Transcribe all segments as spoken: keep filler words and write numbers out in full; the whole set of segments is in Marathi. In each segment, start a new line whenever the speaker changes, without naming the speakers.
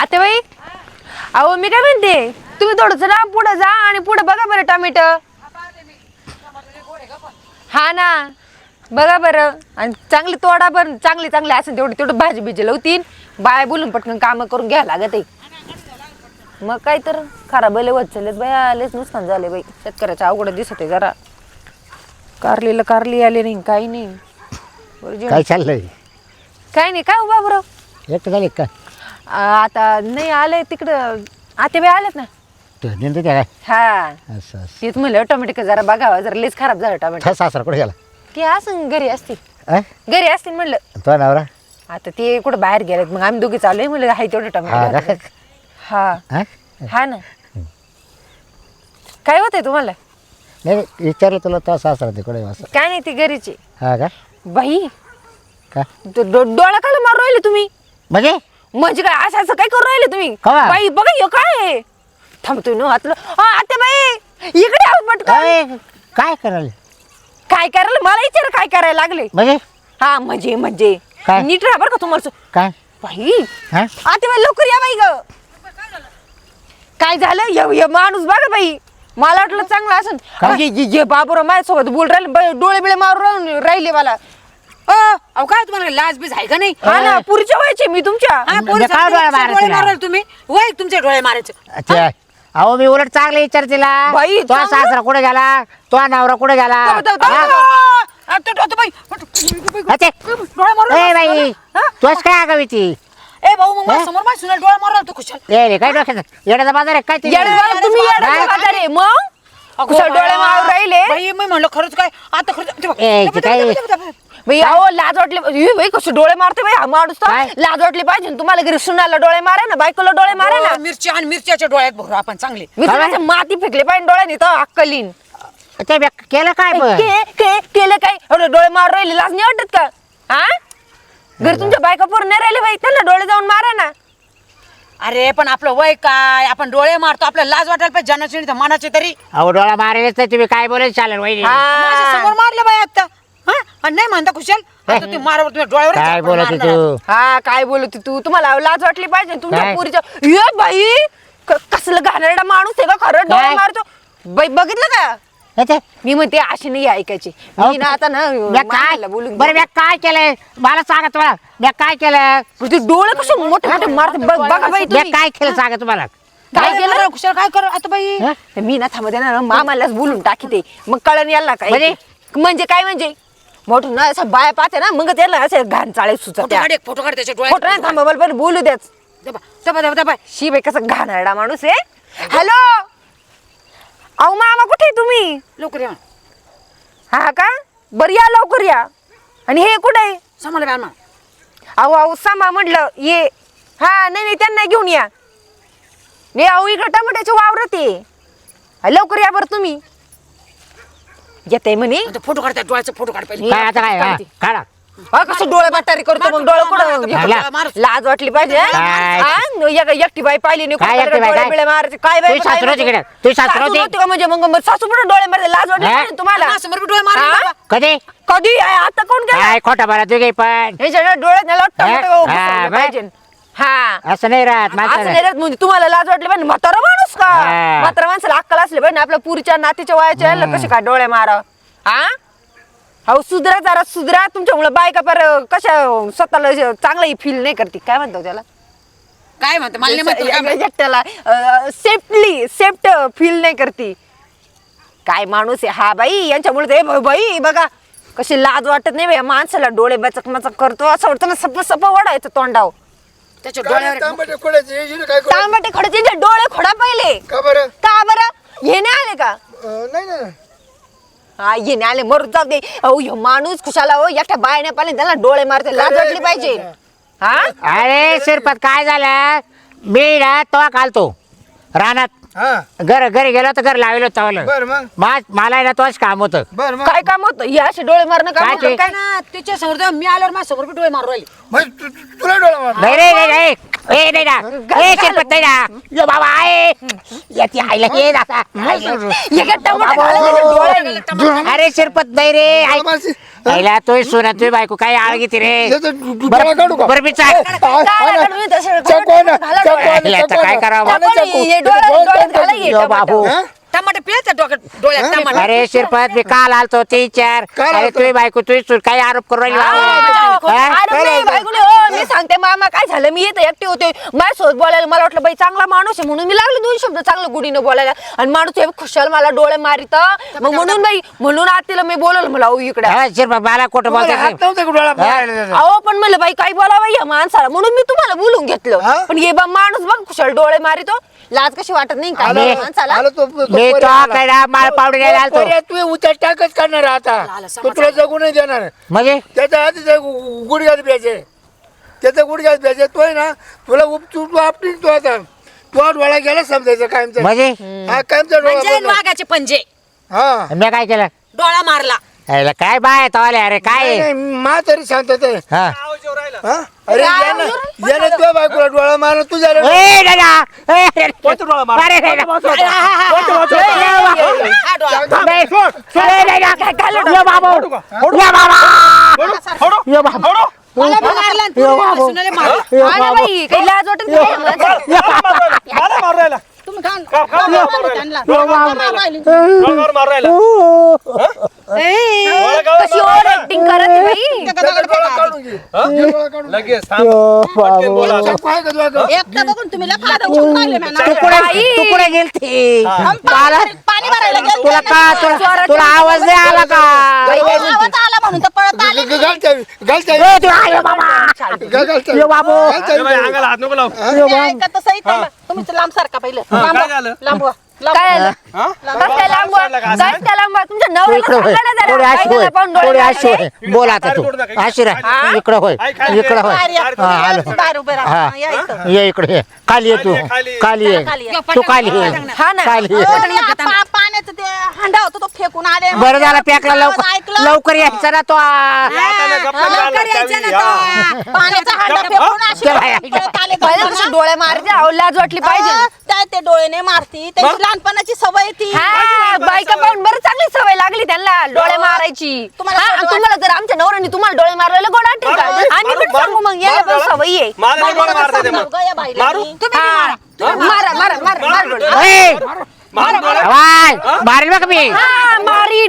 आता बाई अहो मी काय म्हणते तुम्ही थोडंसं ना पुढे जा आणि पुढे बघा बरं टोमॅटो हा ना बघा बरं आणि चांगली तोडा बरं चांगली चांगली असेल तेवढी तेवढं भाजी बिजी लावतीन बाय बोलून पटकन कामं करून घ्यायला लागत आहे मग काय तर खराब लय होत चाललेत बाई आलेच नुकसान झाले बाई शेतकऱ्याच्या अवघड दिसत आहे जरा कारलीला कारली आले नाही काही नाही
काय चाललंय
काय नाही काय उभा बरं
एकटं झाले का
आता नाही आले तिकडं आते बाई आलेत ना
नेमकं काय
हा
असं असं
तेच म्हणलं टोमॅटो जरा बघावा जरा लेच खराब झालं टोमॅटो
ठस सासरा कुठे गेला
ते असं घरी असतील
अं?
घरी असतील म्हणलं
तो नवरा
आता ते कुठं बाहेर गेलेत मग आम्ही दोघी चाललोय म्हणलं हाय तेवढं
हा
टोमॅटो
का?
घातलं. हा
अं?
हा ना काय होतंय तुम्हाला
नाही नाही, विचारलं तुला तो सासरा ते कुठे असं
काय नाही ती घरीची
हा का
बाई
का
तो डो- डोळा काय मारून राहिले तुम्ही
म्हणजे
म्हणजे काय असं असं काय करून राहिले तुम्ही
कवा?
बाई बघा हे काय आहे? थांबतोय ना हातलं आता बाई इकडे आहो पटकन
अय, काय करायला
काय करायला मला विचार काय करायला लागले
म्हणजे
हा म्हणजे म्हणजे
काय?
नीट राहा बरं का तुम्हाला
काय
बाई
हा
आता बाई लवकर या बाई ग काय झालं य- य माणूस बघा बाई मला वाटलं चांगलं असं
काय?
ये- ये- ये बाबूराव माझ्यासोबत बोल राहिले बाई, डोळे बिळे मारून राहून राहिले मला
अ, अहो काय तुम्हाला लाज बीज आहे का नाही
हा ना पुरीच्या व्हायचे मी तुमच्या
हा,
म्हणजे
पोलीस
काय
आपले
डोळे
तुमचे
मारायचे
डोळे
ना?
माराल तुम्ही वय तुमचे डोळे मारायचे
अच्छा अहो मी उलट चांगलं विचार तिला
बाई,
तो
चांगलं?
सासरा कुठे गेला तो नवरा कुठे गेला
थांब, थांब, थांब.
हा?
आ, तो- तो- तो बाई,
अच्छा.
डोळे मारून
ए बाई
हा?
तोच काय आगावी ती
ए भाऊ मग माझ्या समोर माझ्या सुना डोळे मारला तो खुशाल
ए रे काय डोक्यात येण्याचा बाजार आहे काय ते
येड्याला तुम्ही येड्याला
काय?
बाजार आहे. मग कुठं डोळे मारून राहिले
बाई मी म्हणलं खरंच काय आता खरंच ते बघ.
ए, ते काय?
बाई अहो लाज वाटले ए, बाई कसे डोळे मारते बाई हा माणूस तर.
काय?
लाज वाटली पाहिजे ना तुम्हाला घरी सुनाला डोळे मारा ना बायकोला डोळे मारा ना
हो, मिरची आणि मिरच्याच्या डोळ्यात भरू आपण चांगले
मी
काय?
तुला माती फेकले पाहिजे डोळ्यानी तर अक्कलीन
ते बे- केलं काय पण
के- के- केलं काय एवढे डोळे मारून राहिले लाज नाही वाटत का हा घरी तुमच्या बायका पोर नाही राहिले बाई त्यांना डोळे जाऊन मारा ना
अरे पण आपलं वय काय आपण डोळे मारतो आपल्याला लाज वाटायला पाहिजे जनाची नाही तर मनाची तरी
अहो डोळा मारेलच तर तुम्ही काय बोलायचं चालेल वहिनी
माझ्या
हा.
समोर मारलं बाई आता हा आणि नाही म्हणता खुशाल आता तू मारावर तुम्ही डोळ्यावर
काय बोलत तू
हा काय बोलत तू तुम्हाला लाज वाटली पाहिजे तुमच्या
काय?
पुरीच्या ये बाई क- कसलं घाणेरडा माणूस आहे का खरं डोळे
काय?
मारतो बाई बघितलं का
अच्छा.
मी म्हणते अशी नाही ऐकायची
अहो,
मी ना आता ना
म्या काय
मामाला बोलून
बरं मी काय केलंय मला सांगा तुम्हाला मी काय केलं
पण ते डोळे कसे मोठे मोठे मारते बघ- बघा बाई
मी
तुम्ही
काय केलं सांगा तुम्हाला
काय
काय
केलं?
केलं खुशाल काय कर आता बाई
हं?
मी ना थांबते ना मामालाच बोलून टाकीते मग कळण यायला काय
म्हणजे?
म्हणजे काय म्हणजे मोठं ना असं बाया पाहते ना मग त्याला असे घाण चाळे
फोटो
सुचत्या
काढ एक फोटो काढ त्याच्या
खोटं नाही थांबा मला पहिले बोलू द्याच
दबा दबा दबा दबा
शी बाई कसं घाणेरडा माणूस आहे हॅलो अहो मामा कुठे आहे तुम्ही
लवकर या
हा का बरं या लवकर या आणि हे कुठे आहे
सामाला बॅन
अहो अहो सामा म्हटलं ये हा नाही नाही त्यांना घेऊन या नाही अहो इकडं टमाट्याचे वावरत आहे हा, लवकर या बरं तुम्ही येते म्हणे
फोटो काढ त्या डोळ्याचा फोटो काढ पाहिजे
काय आता काय हा, काढा
हा, कसं डोळे बाटारी करतो मग डोळे कुठं
हाला.
लाज वाटली पाहिजे हा?
काय?
हा? न- एक- एकटी बाई पाहिली नाही
काय
कुठं
एकटी बाई,
डोळे
काय?
बिळे मारायचे काय बाई
तुझी
काय
सासू होती
बाई?
का? तुझी सासू
सासू
होती?
होती का म्हणजे मग मग सासू पण डोळे मारते लाज वाटली
हा?
पाहिजे ना तुम्हाला
समोर बी डोळे मारले
हा?
बाबा.
कधी
कधी आहे? आता कोण गेला
काय खोटा बोला तू काही पण
ह्याच्या डोळ्यात नाही लट्टा
हा?
मोठं
हा,
घुसवलं
बाई.
पाहिजे हा
असं नाही राहत
असं
माणसाला
नाही राहत म्हणजे तुम्हाला लाज वाटली पाहिजे म्हातारा माणूस का
हा.
म्हातारा माणसाला अक्कल असले पाहिजे आपल्या पुरीच्या नातीच्या वयाच्या याला कसे काय डोळे मारा हा अहो सुधरा जरा सुधरा तुमच्यामुळे बायका पर कशा स्वतःला चांगलं फील नाही करते काय म्हणतो त्याला
काय म्हणतो मला नाही माहिती काय म्हणतो.
त्याला सेफ्टली सेफ्ट फील नाही करते काय माणूस आहे हा बाई यांच्यामुळे ते ब- बाई बघा कशी लाज वाटत नाही बाई, या माणसाला डोळे बचक मचक करतो असं वाटतं ना सप सप वडायचं तोंडाव
त्याच्या डोळ्यावर
तांबटे खोडायचे हे काय करू?
तांबटे खडचे डोळे खोडा पहिले
का बरं
का बरं हे नाही आले का
अं, नाही ना
हा ये नाही आले मरू जाऊ दे अहो ह्यो माणूस खुशाला हो एकट्या बायने पाहिले त्याला डोळे मारते लाज वाटली पाहिजे हा
अरे शिरपत काय झालं मी ना तो घालतो रानात
हा
घर घरी गेलो तर घर लावलं चावलं
बर मग
मा- मला ना तोच काम होतं
बर मग
काय काम होतं हे असे डोळे मारणं काम
काय
होतं
ते?
काय
ना त्याच्या समोर जेव्हा मी आल्यावर माझ्या समोर बी डोळे मारू राहिले
मग तु- तु- तुला डोळा मार
नाही रे नाही नाही ए नाही ना ए शिरपत नाही ना यो बाबा आहे याची आईला ये ना
हे काय टमाटे घालायचे डोळ्यानी?
अरे शिरपत नाही रे
मला
ऐक.
मारशी-
पहिला तोय सुना तुझी बायको काय आळ घेते रे
याचं डो- डो- डोळा काढू का?
बरं मी चाल
चकवा ना, चकवा ना,
याला तर
चकवा
काय
ना.
करावं?
मला चकू.
हे डोळ्यात-
डोळ्यात
डोळ्यात
काढू.
घाला हे
यो बाबू
हा?
टमाटे पिळायचं डोक्यात डोळ्यात टमाटे
अरे शिरपत मी काल आलतो ते चार
काल
अरे
आलतो?
तुझी बायको तुझी सून काय आरोप करू राहिली
हा,
बाबू? हा?
अरे नाही, बायकोने, हो, मी सांगते मामा काय झालं मी येते एकटी होते माझ्यासोबत बोलायला मला वाटलं बाई चांगला माणूस आहे म्हणून मी लागले दोन शब्द चांगलं गुढीनं बोलायला आणि माणूस हे खुशाल मला डोळे मारित मग म्हणून बाई म्हणून आज तिला मी बोलवलं मला अहो इकडे
हा, शिरपत मला खोटं
मला
बोलतो
हात नव्हता का डोळा मारायला त्याचा?
अहो पण म्हणलं बाई काय बोलावं या माणसाला म्हणून मी तुम्हाला बोलून
हा?
घेतलं पण हे बा माणूस बघ खुशाल डोळे मारितो लाज कशी वाटत नाही का
आला-
माणसाला
आला तो- तो
मी
पोरी
तो
आला.
काय माळ पावडे घ्यायला आलतो
पोरी, तू उच्च टाकच करणार आहे आता तो तुला जगू नाही देणार
म्हणजे
त्याच्या आधी ते गु- गुडघ्यात प्यायचे त्याचा गुडघ्यात प्यायचे तोय ना तुला उपचूप तू आपली तो आता तो डोळा गेला समजायचं कायमचा
म्हणजे
हा कायमचा डोळा
पंजे
बंद.
वाघाचे पंजे
हा
मी काय केलं
डोळा मारला
याला काय बाय तवाले अरे काय
नाही, नाही, मा तरी शांतता आहे.
हा
हा? अरे यानं यानं तुझ्या बायकोला डोळा मारला तुझ्या रे-
ए दादा ए, अरे, अरे, दादा.
हा डोळा
नाही, ए, दादा. यो बाबू यो बाबा यो बाबा
मला पण मारला आणि
यो
पुरीला
बाबू
सुनाले मारला.
यो
हा ना
बाबू
बाई काही लाज वाटत नाही का माणसाला?
यो बाबा
मला मारू राहिला
तुम्ही खान
का- का-
खान-
का-
खान- त्यांना.
यो बाबू
डोंगर मारू राहिला
ए,
डोळा काढून
कशी ओव्हर ऍक्टिंग करत आहे बाई
त्याचा डोळा काढून घे. घे डोळा काढून घे.
लगेच थांब.
यो
पटकन बोला.
बाबू
चक्कू आहे का तुझ्याकडे?
एकटं बघून तुम्ही लय फायदा उचलून राहिले ना.
तू कुठे
बाई.
तू कुठे गेलती मला
पाणी भरायला गेलते
तुला
ना.
का तुला तुला आवाज नाही आला का
आवाज आला म्हणून तर पळत आले.
ग- ग- घाल चावी, घाल चावी.
ए, तू आहे बाबा
घाल- घाल चावी.
यो बाबू
घाल
ए
चावी.
बाई, अंगाला हात नको लावू
तुम्ही ऐकत तसंही थांबा. तुम्हीच लांब सारखा पहिलं लांब
काय
व्हा.
झालं?
लांब व्हा. लांब
काय
व्हा.
झालं?
हा?
बस त्या लांब वा.
का?
बस त्या लांब वा. तुमच्या
तू
नवऱ्याला
इकडे होय
सांगा ना जरा.
थोडी
काय
अशी
झालं
होय
पाहून डोळे
थोडी
लागले?
अशी होय बोल आता तू अशी राह इकडे होय इकडे होय
बाहेर या.
हा आलो
बाहेर उभे राहा.
हा
हा, या इथं.
ये इकडे ये खाली ये तू
खाली.
खाली ये
खाली ये.
तू खाली ये
हा ना.
खाली ये
हो, आणि आ- पा- पाण्याचं ते हांडा होता तो फेकून आले
बरं झालं पॅकला
आवाज
लवकर
ऐकलं?
लवकर यायचं ना तो
आता ना गप्पा
हा,
झाला,
लवकर यायचं
चावी,
ना
हा.
तो. पाण्याचा हांडा फेकून अशी
चला, या.
पळत आले
पहिलं कसं डोळे मारते अहो लाज वाटली पाहिजे
अहो, त्या ते डोळे नाही मारती त्यांची लहानपणाची सवय ती
हा बायका पाहून बरं चांगली सवय लागली त्यांना डोळे मारायची
तुम्हाला
हा, आणि
खोटं
तुम्हाला जर आमच्या नवऱ्याने तुम्हाला डोळे मारलेले गोड वाटेल का
मारू,
आम्ही पण
मारू,
सांगू मग याला
मारू,
पण
मारू.
सवय आहे
मला नाही
बायकोला
मारता येते
समजावं
मग.
गं या बाईला.
मारू?
तुम्ही बी
हा.
मारा.
मारा मारा मारा मारा डोळे.
ए,
मारू डोळे.
वाय मारेल बघ मी
हा, मारी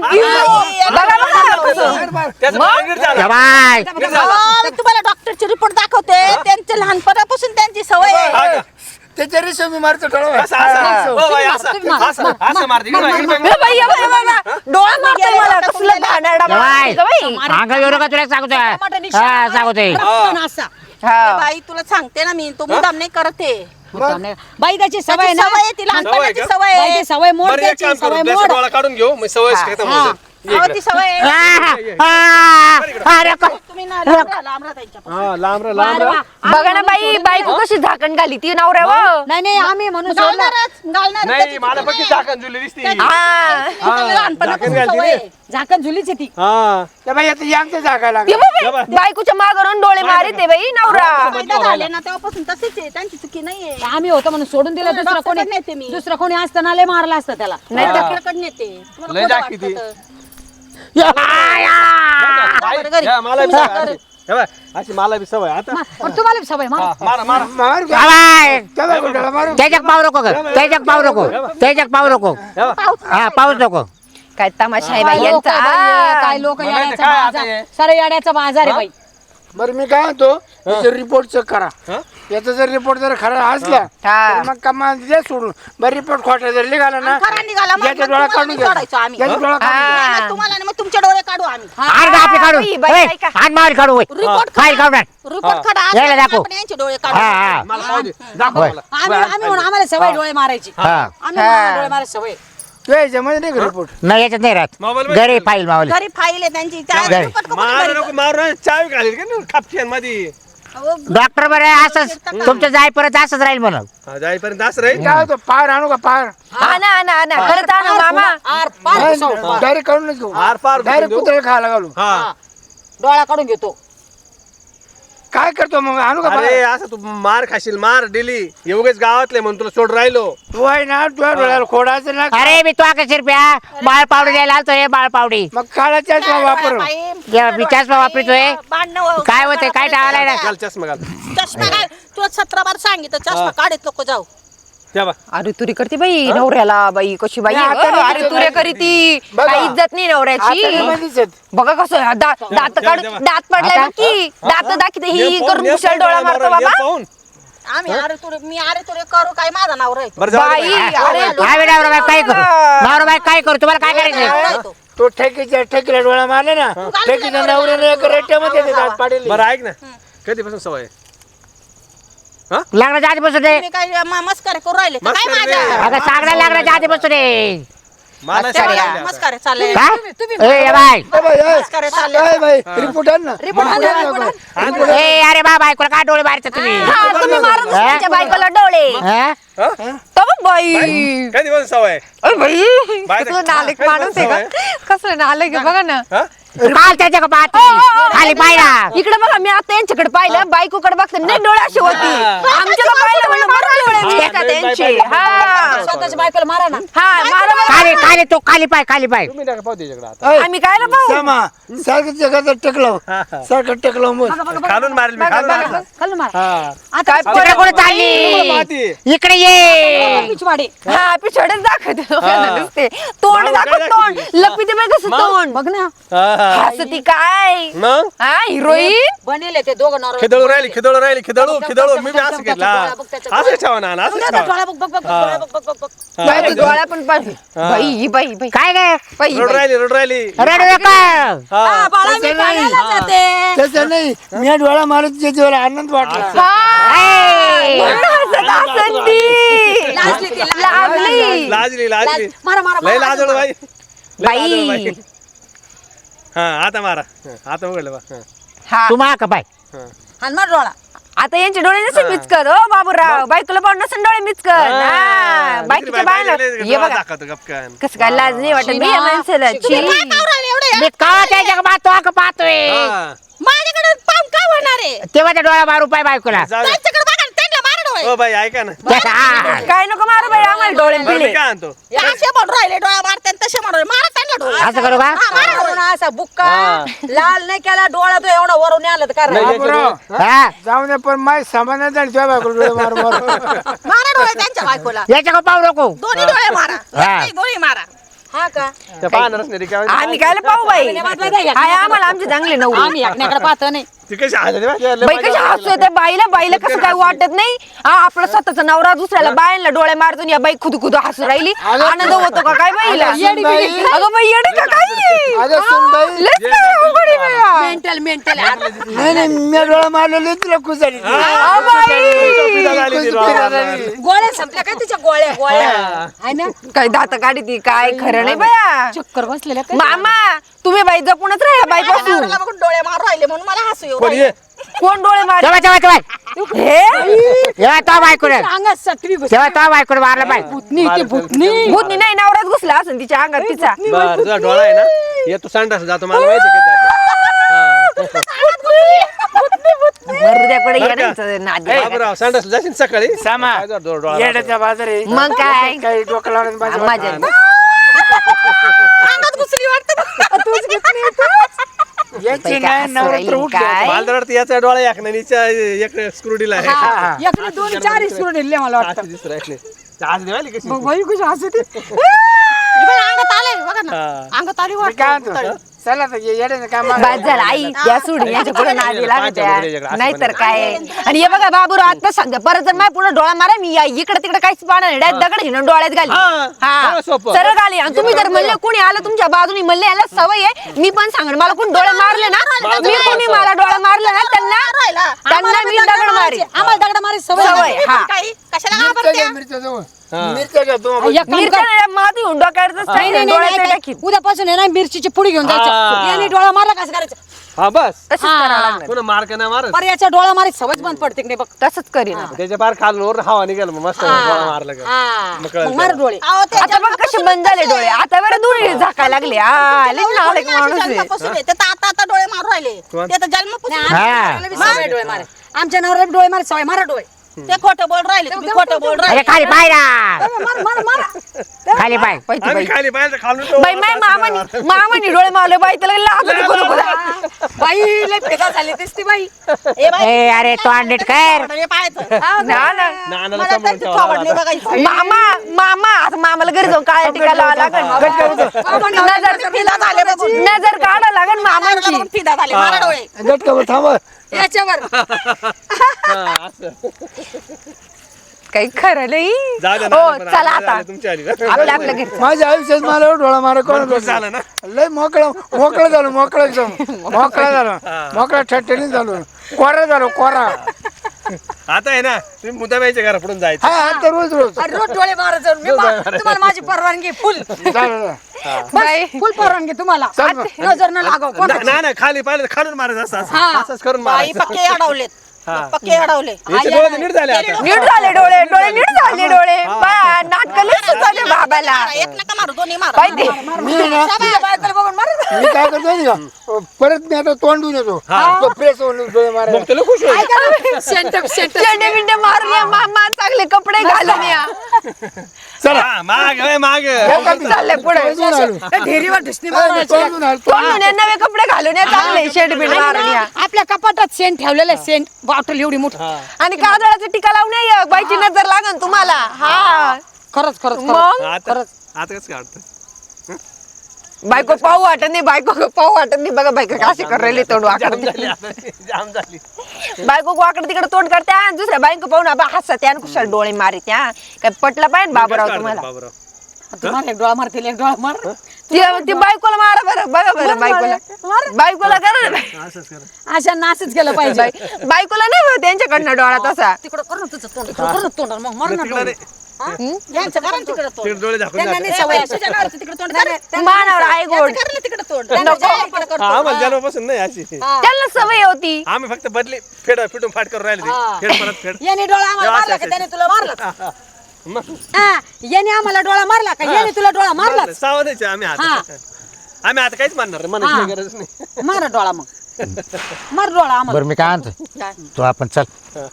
बघा बघा कसं.
त्याचं पाय नीट झालं.
वाय
नीट झालं.
अहो, मी तुम्हाला डॉक्टरची रिपोर्ट दाखवते त्यांच्या लहानपणापासून त्यांची सवय
हा
आहे
का?
त्याच्या रेषा मी मारतो डोळा.
असं, असं. हो, बाई, असं. असं, असं मारते. इकडे बघ, इकडे बघ.
ए बाई, ए बाई, ए बाई, ए बाई. डोळा मारतोय मला कसलं घाणेरडा माणूस
वाय
आहे गं बाई.
अंग येऊ नका तुला सांगतोय हा सांगतोय
पण असा
हा.
ए बाई तुला सांगते ना मी तो मुद्दाम नाही करत आहे
बाई त्याची सवय
त्याची
ना
सवय आहे ती लहानपणाची
सवय का?
सवय
बाई
आहे
ती सवय मोड
बरं, एक
त्याची
काम करू.
सवय
त्याचा
मोड
डोळा काढून घेऊ मग सवय खतम होऊन जाईल. ये
अहो,
इकडे.
ती सवय आहे.
आ, आ, अरे को-
तुम्ही ना लांब राहा, लांब राहा त्यांच्यापासून.
हा, लांब राहा, लांब राहा.
बघा ना बाई बायको कशी झाकण घाली ती नवऱ्यावर
नाही नाही आम्ही म्हणून सोडलं.
घालणारच घालणारच
नाही
त्याची
मला
चुकी
पक्की
नाही.
झाकण जुळली दिसती
हा
त्याची लहानपणापासून
झाकण घालते
सवय
रे.
आहे.
झाकण झुलीच आहे ती
हा
त्या बाई आता यांचं जागा
ते
लागला.
बघ बाई, बायकोच्या मागरून डोळे मारित आहे बाई नवरा
फायदा झाले ना तेव्हापासून तसेच आहे त्यांची चुकी नाहीये
आम्ही होतो म्हणून सोडून दिलं दुसरं
डॉक्टरकडे
कोणी
नेते मी.
दुसरं कोणी असताना लय मारलं असतं त्याला
नाही डॉक्टरकडे नेते तुम्हाला
लय
खोटं
जाकी ती.
वाटतं तर.
या, या.
बाई,
बरं, घरी.
या, मला बी
तुम्ही
सवय अशी. हे बघ, अशी मला बी सवय आता
पण तुम्हाला बी सवय मार
हा, मारा मारा
मार का?
वाय
त्या बाई डोळा मारू.
त्याच्यात पाव नको ग त्याच्यात पाव नको त्याच्यात पाव नको
हे बघ.
हा पाऊस नको
काय तमाशा आहे बाई
काय लोक
यांचा
काय लोक
म्हणायचं
येड्याचा
काय आता
बाजार
हे?
सारे येड्याचा बाजार आहे बाई
बरं मी काय म्हणतो याचा रिपोर्ट चेक करा
हा?
याचा जर रिपोर्ट जर खरा असला
हा.
तर मग कमा द्या सोडून बरं रिपोर्ट खोटा जर निघाला ना
खरा निघाला मग
याचा
मग
डोळा
तुम्हाला
काढून
नाही
घ्या
सोडायचो आम्ही.
याचा डोळा काढून घ्या.
हा.
मग तुम्हाला नाही, मग तुमचे डोळे काढू आम्ही
आण का आपले काढू
बाई, बाई,
ओय,
ऐका.
आण मार काढू होय.
रिपोर्ट
फाईल काढून आण.
रिपोर्ट खडा
यायला
असला
दाखव.
आपण यांचे डोळे काढू
हा हा
मला पाहू दे. दाखव
होय.
मला.
आम्ही आम्ही म्हणून आम्हाला सवय डोळे मारायची
हा
आम्ही म्हणून डोळे मारायची सवय
तू याच्यामध्ये नाही का रिपोर्ट
नाही याच्यात नाही राहत
मोबाईल मध्ये
घरी फाईल मावली
घरी फाईल आहे त्यांची त्या
घरी.
रिपोर्ट करून
मारू
घरी-
नको मारू नये. चावी घालील का नाही खापक्यान मध्ये
अहो,
डॉक्टर बरे असंच तुमचं जाय परत असंच राहील म्हणून
हा, जाईपर्यंत असं राहील
काय होतं पार आणू का पार
आणा आणा आणा खरंच आणा मामा
आर पार
डायरेक्ट काढूनच घेऊ
आर पार
डायरेक्ट
घेऊन
कुत्र्याला खायला घालू
हा
डोळा काढून घेतो
काय काय करतो मग आणू का
अरे
बाहेर?
असं तू मार खाशील मार दिली एवढेच गावातले म्हणून तुला सोड राहिलो
तू आहे ना तुझ्या डोळ्याला खोडायचं ना
अरे मी तो आकाश रुपया बाळ पावडी द्यायला आलतोय बाळ पावडी
मग काळाच्या वापर
मी चष्मा वापरतोय काय होतंय काय टाळायला ना
घाल चष्मा घाल
चष्मा काय तू सतरा बार सांगितलं चष्मा काढत नको जाऊ
त्या बा
अरे तुरी करते बाई नवऱ्याला बाई कशी बाई
नाही,
आहे
आता
गं.
नाही
अरे
तिचं
तुरे
नाही.
करी ती
बघा.
काही इज्जत नाही नवऱ्याची बघा कसं आहे, दात दात काढ
देवा.
दात पडलाय बघ की दात दाखवते ही
ये पाहून,
करून
ये
कुशाल
पाहून,
डोळा
डोळा
मारतो
मारा, ये
बाबा
पाहून.
आम्ही अरे तुरे मी अरे तुरे करू काय माझा नाव राहतो
बरं जाऊ दे
बाई
बाई.
अरे तू-
काय नवरा काय करू नवरा बाई काय करू तुम्हाला काय करायचं
तो ठेकीच्या ठेकीला डोळा मारले ना ठेकीच्या नवऱ्याने एक रेट्यामध्ये ते दात पाडेल
बरं ऐक ना कधीपासून सवय आहे?
लग्नाच्या आधीपासून रे
तुम्ही काय म- मस्करी करू राहिले का? काय
मस्करी
माझ्या
नाही.
अगं सांगण्या लग्नाच्या आधीपासून रे
मला
तेव्हा
सांगितलं आता.
मस्करी चालले
काय ए बाय
मस्करी चालले
काय बाई रिपोर्ट आण ना
रिपोर्ट आण ना, रिपोर्ट आण.
ए अरे बा बायकोला काय डोळे मारता तुम्ही
हा, तुम्ही मारत
हा?
तुमच्या बायकोला डोळे
हा?
तो बघ बाई
कधीपासून सवय आहे?
अरे बाई
बाय
कसलं
ते-
नालायक
काय
माणूस आहे
सवय?
का कसलं नालायक आहे बघा ना
हा?
काल त्याच्या का पाहती खाली पाहिला
इकडे बघा मी आता यांच्याकडे पाहिलं बायकोकडे बघते नाही डोळे असे होती आमच्याकडे पाहिलं म्हणलं बरं डोळे मी एका त्यांचे हा
स्वतःच्या बायकोला मारा ना
हा मारा बरं.
खाली खाली तो खाली पाय खाली पाय
तुम्ही नका पाहू त्याच्याकडे आता
आम्ही काय ना पाहू
सामा सारखं जगाचं टकलं सारखं टकलं मग
खालून मारेल मी खालून मारेल.
खालून मारा
हा.
आता
काय
तिकडे कोण
तुम्हाला
चालली
माहिती.
इकडे ये
पिछवाडे
हा पिछडच दाखवते लोकांना नुसते तोंड
मागं
दाखव
काय
तोंड
दाखवते?
लपीते बाई कसं
मग?
तोंड
बघ ना
हा, हा.
हसती काय
मग
हा हिरोईन
बनेले ते दोघं नवरा
खिदळू राहिली खिदळू राहिली खिदळू खिदळू मी बी असं
बघ,
केलं हा.
बघ, बघ, त्याच्या
असं ठेवा ना असं
बघ,
ठेवा
डोळा बघ बघ बघ डोळा बघ बघ बघ बघ
बाई ते डोळ्या पण पाहिजे बाई ही बाई बाई
काय गे
बाई
रोड राहिली रोड राहिली
रडू नका
हा.
बाळा मी
तसं नाही.
पाण्याला जाते
तसं नाही मी डोळा मारत त्याच्यावर आनंद वाटला
ए,
हसत हसत ती
लाजली ती, लाजली.
लाजली
लाजली लाजली
मारा मारा
लय
मारा.
लाजळू बाई लय
बाई.
लाजळू बाई हा आता मारा हा, आता उघडलं बा हा.
हा
तू मा का पाय
हाण मार डोळा
आता यांचे डोळे नसेल मिचकत हो बाबूराव बायकोला पाहून नसेल डोळे मिचकत हा बायकीच्या बायला हे बघा
दाखवतो गपकन
कसं काय लाज नाही वाटत बाई या माणसाला छी.
काय पाहू राहिले एवढे
मी का त्याच्या का पाहतो का पाहतोय
हा.
माझ्याकडे पाहून काय होणार आहे
तेव्हा त्या डोळा मारू पाय बायकोला
जाऊ दे.
त्यांच्याकडे बघा ना, त्यांना मारा डोळे
ओ बाई ऐका ना
हा.
काय नको मारू बाई आम्हाला डोळे
बरं,
पिले
मी काय आणतो
हे असे म्हणून राहिले डोळा मारते आणि तसे म्हणून मारा त्यांना डोळे
असं करू का
हा, मारा डोळे. असा बुक्का
हा.
लाल नाही केला डोळा तो एवढा वरून आला तर काय
नाही,
राहिलं?
बाबूराव,
हा
जाऊ दे पण माय सामान नाही आणि तुझ्या बायकोला डोळे मार मार
मारा डोळे त्यांच्या बायकोला
याच्या का पाहू नको
दोन्ही डोळे मारा
हा.
नाही, दोन्ही मारा हा का
त्या पाहणारच नाही रिकामी.
आम्ही काय पाहू बाई हाय आम्हाला आमचे चांगले नऊ
आम्ही एकण्याकडे पाहतो नाही
ती कशी हसते बा, लय
बाई
मजा
कशी
वाटते.
हसू येते बाईला बाईला कसं काय वाटत नाही हा आपला स्वतःचा नवरा दुसऱ्याला बायांना डोळे मारतो या बाई खुद खुद हसू राहिली आनंद होतो का काय बाईला
अगं बाई.
अगं बाई येडे का काय
अगं सुनबाई
लयच काय अवघड आहे बाया.
मेंटल मेंटल
नाही नाही मी डोळा मारलेले तुला खुशाली
अहो बाई
पिढा झाली ती डोळा मारणार.
गोळ्या संपल्या काय तिच्या गोळ्या गोळ्या आहे ना
काय दात काढी ती काय खरं नाही बाया
चक्कर बसलेल्या काय
मामा तुम्ही बाई जपूनच राहा बाई पासून
नवऱ्याला बघून डोळे मारू राहिले म्हणून मला हसू येऊ
कोण
राहिलं.
ये
कोण डोळे मार
तेव्हा तेव्हा तेव्हा
हे
तेव्हा तो बायकोला
अंगात सटवी घुसली.
तेव्हा तो बायकोला मारला पाय
भूतनी ती भूतनी
भूतनी नाही नवराच घुसला असं तिच्या अंगात तिचा
बर तुझा डोळा आहे ना ये तू संडास जातो मला माहिती आहे का जातो
हृदयाकडे
बरं का?
येण्याचं नाद
ए,
आहे.
बाबूराव, संडास जाशील सकाळी
सामा
काय जर डो- डोळा
येड्याचा बाजार आहे
मग काय
काही डोकं लावून बाजू
मजा
अंगात घुसली वाटतं
याची नाही नवरात्र उठली
काय
मला तर वाटतं याचा डोळा एक नाही हिच्या एक स्क्रूडीला आहे
एकने दोन चार सुरू दिले मला वाटतं
अशी दिसू राहिली. आज देवाली कशी
बाई कशी हसते अंगात आले बघा ना
हा.
अंगात आली
मी
वाटतं
काय म्हणतो चला तर येड्याचं काम आहे.
बाद झाला आई त्या सोडून याच्या पुढे नादी लागत्या नाहीतर काय आणि हे बघा बाबूराव आता सांगते परत जर माझ्या पुढे डोळा मारा मी या- इकडे तिकडे काहीच पाहणार नाही डायरेक्ट दगड घेऊन डोळ्यात घाली
हा,
हा
सगळं सोपं.
सरळ घाली आणि तुम्ही जर म्हणले कोणी आलं तुमच्या बाजूने म्हणले याला सवय आहे मी पण सांगणार मला कोण डोळे मारले ना मी कोणी मला डोळा मारला ना त्यांना त्यांना मी दगड मारी
आम्हाला दगड मारी सवय
सवय,
नाही.
हा.
काही कशाला
मिरच्या
घाबरत्या?
घ्या, मिरच्या जवळ
हा.
मिरच्या घ्या तुम्हाला
एक काम
मिरच्या
कर.
नाही, माती होऊन डोक्यावरच
नाही, नाही,
डोळ्यात
नाही,
टाकीन
उद्यापासून आहे ना मिरचीची पुडी घेऊन
हा.
जायचं याने डोळा मारला कसं करायचं
हा बस
तसंच
हा.
करावं लागणार
पुन्हा मार्क नाही मारत
पर याच्या डोळा मारी सवयच बंद पडते की नाही बघ
तसंच करीन
त्याच्या पार खालून वर हवा निघाल मग मस्त डोळा मारला का
हा.
मग कळलं
मग मार डोळे
आता बघ कसे बंद झाले डोळे आता बरं दूर झाकायला लागले आ लई नालायक माणूस आहे
जन्मापासून आहे. ते तर आता आता डोळे मारू राहिले
कोण?
ते तर जन्मापासून
हा.
सवय डोळे मारे
आमच्या नवऱ्याला डोळे मारा सवय मारा डोळे
ते खोटं बोल राहिले तुम्ही खोटं बोल
अरे
राहिले
खाली पाय ना
मारा मारा मारा
खाली पाय
पाहिजे
आम्ही
बाई
खाली पाहिजे खालून
बाई माय मामानी मामानी डोळे मावले बाई त्याला लागत बोलू
बाई लय फेका झाली दिसती बाई
ए बाई
ए अरे तो अंडेट कर
हे पाहायचं
ना ना
नानाला
मला
सांभाळून
त्यांची
ठेवावं
थोबाड नाही
लागलं.
बघायची
मामा मामा आता मामाला घरी जाऊन काय टिका लावा लागन नजर
फिदा झाले बघून
नजर काढा लागन मामांची
बघून फिदा झाले मारा डोळे
गटकावर थांबा
याच्यावर
हा, असं.
काही खरं नाही
जाऊ दे
हो
नाना, पण
चला
आम्हाला
आता
आली तुमची आली ना.
आपल्या आपल्या घरी
माझ्या आयुष्यात मला डोळा मारा कोण
खुश झालं ना
लय मोकळा मोकळं झालं मोकळं एकदम मोकळा झालं मोकळा ठणठणीत झालो कोरा झालो कोरा
आता आहे ना तुम्ही मुद्दाबाईच्या घरा पुढून जायचं
हा आता रोज रोज
अरे रोज डोळे मारा जाऊन मी मा- तुम्हाला माझी परवानगी फुल
चालेल.
बाई
फुल परवानगी तुम्हाला
चल मग.
नजर न लागाव कोण
ना- ना ना खाली पाहिलं तर खालून मारायचं असं असं.
हा.
असंच करून
बाई
मारायचं
पक्के अडवलेत
हा.
पक्के अडवले
याचे डोळे तर नीट झाले आता
नीट झाले डोळे डोळे नीट झाले डोळे बा नाटक झाले बाबाला
एक नका मारू दोन्ही मारा
पाहिजे
मी ना
तुझ्या बायकोला बघून मारा
मी काय करतो माहिती का परत मी आता तोंडून येतो तो प्रेस होऊन डोळे मारायला.
मग तुला खुश होईल
सेंटर सेंटर
चेंडे बिंडे मारून या मामा चांगले कपडे घालून या
हा, माग होय, माग
चालले पुढे
तोंडून आलो.
ढेरीवर ढुसणी
नाही, मी तोंडून आलो.
तोंडून या नवे कपडे घालून या चांगले शेड बिंड मारून या
आपल्या कपाटात सेंट ठेवलेलं सेंट बॉटल एवढी मोठी
आणि काजळाचा टिका लावून या बाईची नजर लागन तुम्हाला हा
खरंच खरंच
मग
आता आता कसं काढतं
बायको पाहू वाटत नाही बायको पाहू वाटत नाही बघा बायको कशी कर राहिली तोंड वाकड
जाम झाली आता जाम झाली
बायको वाकड तिकडे तोंड करते आणि दुसऱ्या बायको पाहून आबा हसत त्या कुशाल डोळे मारित त्या काय पटलं पाहिजे बाबूराव तुम्हाला
बाबूराव
तुम्हाला एक डोळा मारतील एक डोळा मार
ती ती बायकोला मारा बरं बघा बरं बायकोला बायकोला करा ना
असंच कर
अशा नाचच गेलं पाहिजे
बाई- बायकोला नाही बा त्यांच्याकडनं डोळा तसा
तिकडं कर ना तुझं तोंड तिकडं कर ना तोंड मग मार ना
तिकडे
डोळे.
यांचं करा ना तिकडं तोंड
तिकडे डोळे झाकून
त्यांना
जाते.
नाही
ए,
सवय
बाई, तुझ्या नवऱ्याचं तिकडं तोंड कर.
मानावर आहे गोड
कर ना तिकडं तोंड
नको.
त्यांना जायला इकडं
हा, आम्हाला
करतो.
जन्मापासून नाही अशी
त्यांना सवय होती
आम्ही फक्त बदली फेड फिटून फाट करून राहिले ते. फेड परत फेड
याने डोळा आम्हाला
असं,
मारला का
असं.
त्याने तुला मारला
मग
हा याने आम्हाला डोळा मारला का याने तुला डोळा मारला
सावधायचे आम्ही आता आम्ही आता काहीच मानणार नाही, मनाची काही गरज नाही
मारा डोळा मग मार डोळा आम्हाला
बरं मी काय आणतो तू आपण चल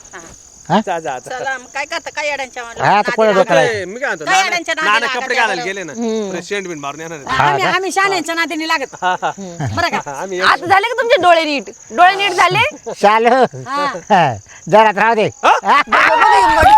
जा जा आता
चला मग काय करता काय अड्यांच्या
हा आता कोणा डोक्याला आहे?
ए, मी काय म्हणतो
काय
नाना
अड्यांच्या नादी
नाना
लागायच्या
कपडे घालायला
बरं.
गेले ना शेंट बिन मारून येणार आहेत.
आम्ही आम्ही शाण्यांच्या नादीने लागत बरं का
आम्ही
आता झाले का तुमचे डोळे नीट डोळे नीट झाले
चालू जरा राहू दे
बघा, बघा,